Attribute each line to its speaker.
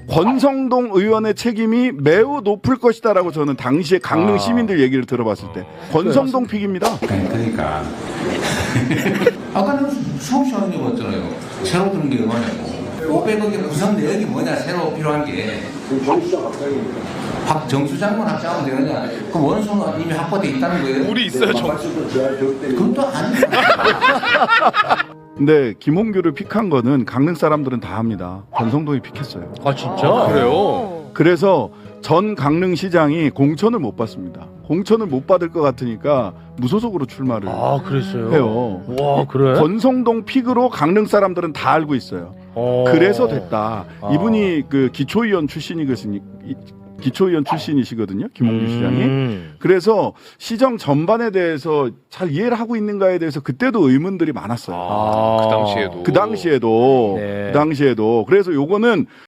Speaker 1: 권성동 의원의 책임이 매우 높을 것이다라고 저는 당시에 강릉 시민들 얘기를 들어봤을 때 권성동 픽입니다.
Speaker 2: 그러니까 아까는 수업 시간에 봤잖아요. 새로 들은 게 얼마냐고. 500억의 구성 내역이 뭐냐 새로 필요한 게. 정수 장관 합작하면 되느냐? 그 원소는 이미 확보돼 있다는 거예요.
Speaker 3: 우리 있어요, 정수.
Speaker 2: 그것도 아니에요.
Speaker 1: 근데 김홍규를 픽한 거는 강릉 사람들은 다 합니다. 권성동이 픽했어요.
Speaker 3: 아 진짜? 그래요?
Speaker 1: 그래서 전 강릉시장이 공천을 못 받습니다. 공천을 못 받을 것 같으니까 무소속으로 출마를
Speaker 3: 아 그랬어요?
Speaker 1: 해요.
Speaker 3: 와 그래?
Speaker 1: 권성동 픽으로 강릉 사람들은 다 알고 있어요. 그래서 됐다. 이분이 그 기초의원 출신이시거든요. 김홍규 시장이. 그래서 시정 전반에 대해서 잘 이해를 하고 있는가에 대해서 그때도 의문들이 많았어요.
Speaker 3: 그 당시에도.
Speaker 1: 그 당시에도. 그래서 요거는